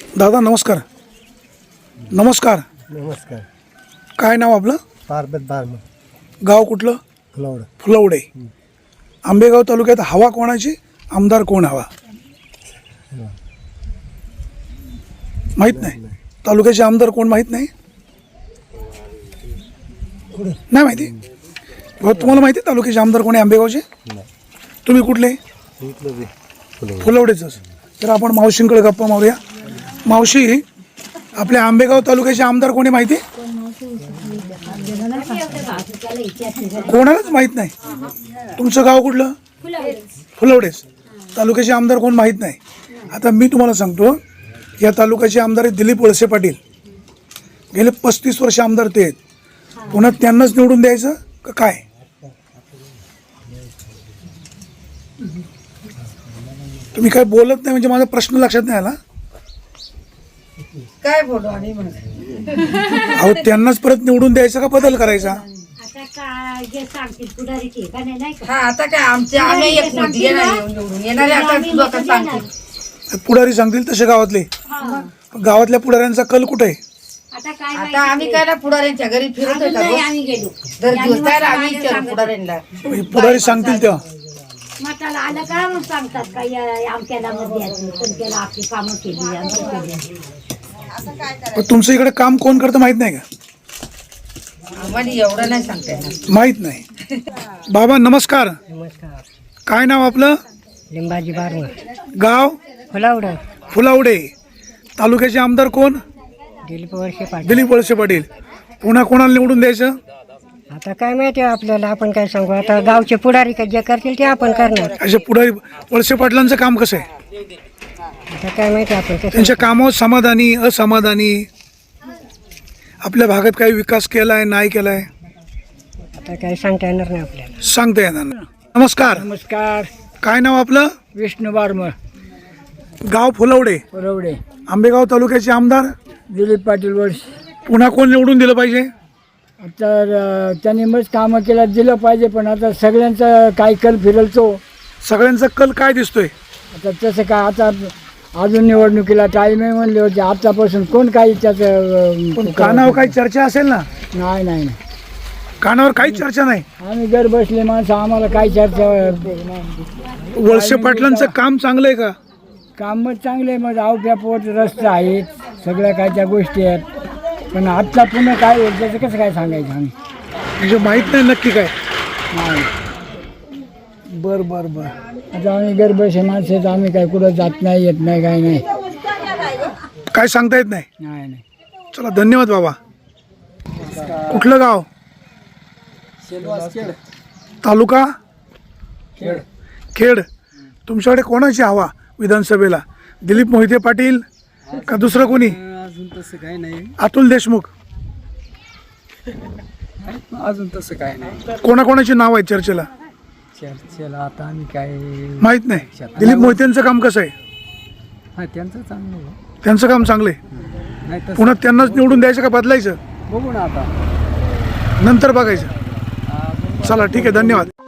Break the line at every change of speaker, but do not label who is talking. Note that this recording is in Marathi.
दादा नमस्कार. नमस्कार.
नमस्कार.
काय नाव आपलं?
पार्वत बारम.
गाव कुठलं?
फुलवड.
फुलवडे. आंबेगाव तालुक्यात हवा कोणाची, आमदार कोण हवा माहित नाही? तालुक्याचे आमदार कोण माहित नाही? नाही माहिती? भाऊ तुम्हाला माहिती तालुक्याचे आमदार कोण आहे आंबेगावचे? तुम्ही कुठले? फुलवडेच. तर आपण मावशींकडे गप्पा मारूया. मावशी, आपल्या आंबेगाव तालुक्याचे आमदार कोणी माहिती? कोणालाच माहित नाही. तुमचं गाव कुठलं? फुलवडेच. तालुक्याचे आमदार कोण माहित नाही. आता मी तुम्हाला सांगतो, या तालुक्याचे आमदार आहेत दिलीप वळसे पाटील. गेले 35 वर्ष आमदार ते आहेत. पुन्हा त्यांनाच निवडून द्यायचं का काय? तुम्ही काय बोलत नाही म्हणजे माझा प्रश्न लक्षात नाही आला.
काय बोलू आणि
अहो त्यांनाच परत निवडून द्यायचा का बदल करायचा?
हा आता काय आमच्या आम्ही एक मोठी येणारे आता लोक सांगतील.
पुढारी सांगतील तसे गावातले. गावातल्या पुढाऱ्यांचा कल कुठे आहे?
आता आम्ही काय ना पुढाऱ्यांच्या घरी फिरत होता दर दिवसाला आम्ही विचारू पुढाऱ्यांना.
पुढारी सांगतील तेव्हा.
मताला आलं का मग सांगतात का आमच्याला द्यायचं, आपली कामं केली.
पण तुमचं इकडे काम कोण करतं माहित नाही का?
आम्हाला एवढं नाही सांगता येणार.
माहित नाही. बाबा नमस्कार.
नमस्कार.
काय नाव आपलं?
लिंबाजी बारम.
गाव?
फुलवड.
फुलावडे. तालुक्याचे आमदार कोण?
दिलीप वळसे पाटील.
दिलीप वळसे पाटील. पुन्हा कोणाला निवडून द्यायचं?
आता काय माहिती आपल्याला, आपण काय सांगू. आता गावचे पुढारी काय जे करतील ते आपण करणार.
असे पुढारी वळसे पाटलांचं काम कसं आहे?
आता काय माहिती आपण कसं.
त्यांच्या कामावर समाधानी, असमाधानी, आपल्या भागात काही विकास केलाय नाही केलाय
आता काय सांगता येणार नाही आपल्याला.
सांगता येणार नाही. नमस्कार.
नमस्कार.
काय नाव आपलं?
विष्णू बारम.
गाव फुलवडे.
फुलवडे.
आंबेगाव तालुक्याचे आमदार
दिलीप पाटील वर्ष.
पुन्हा कोण निवडून दिलं पाहिजे?
आता त्यांनी मग कामं केला दिलं पाहिजे, पण आता सगळ्यांचा काय कल फिरलतो.
सगळ्यांचा कल काय दिसतोय?
आता तसं काय, आता अजून निवडणुकीला टाईम आहे म्हणले होते. आतापासून कोण काही त्याचं
पण कानावर काही चर्चा असेल ना?
नाही नाही नाही.
कानावर काही चर्चा नाही.
आम्ही घर बसले माणसं, आम्हाला काही चर्चा.
वळसे पाटलांचं काम चांगलं आहे का?
कामच चांगले, मग अवघ्या पोट रस्ते आहेत, सगळ्या काय त्या गोष्टी आहेत. पण आजचा पुन्हा काय होईल त्याचं कसं काय सांगायचं आम्ही?
म्हणजे माहीत नाही नक्की काय.
नाही.
बर बर बर.
आता आम्ही गरबसे माणसं आहेत, आम्ही काय कुठं जात नाही, येत नाही, काय नाही.
काय सांगता येत नाही.
नाही नाही.
चला धन्यवाद बाबा. कुठलं गाव? तालुका? खेड. तुमच्याकडे कोणाची हवा विधानसभेला? दिलीप मोहिते पाटील का दुसरं कोणी?
अजून तसं काही नाही.
अतुल देशमुख?
अजून तसं काही नाही.
कोणाकोणाची नाव आहे चर्चेला?
चर्चेला आता आम्ही काय
माहित नाही. दिलीप मोहितेंचं काम कसं आहे?
हा त्यांचं चांगलं आहे.
त्यांचं काम चांगलं आहे.
नाही तसं
पुन्हा त्यांनाच निवडून द्यायचं का बदलायचं?
बघू ना आता.
नंतर बघायचं. चला ठीक आहे, धन्यवाद.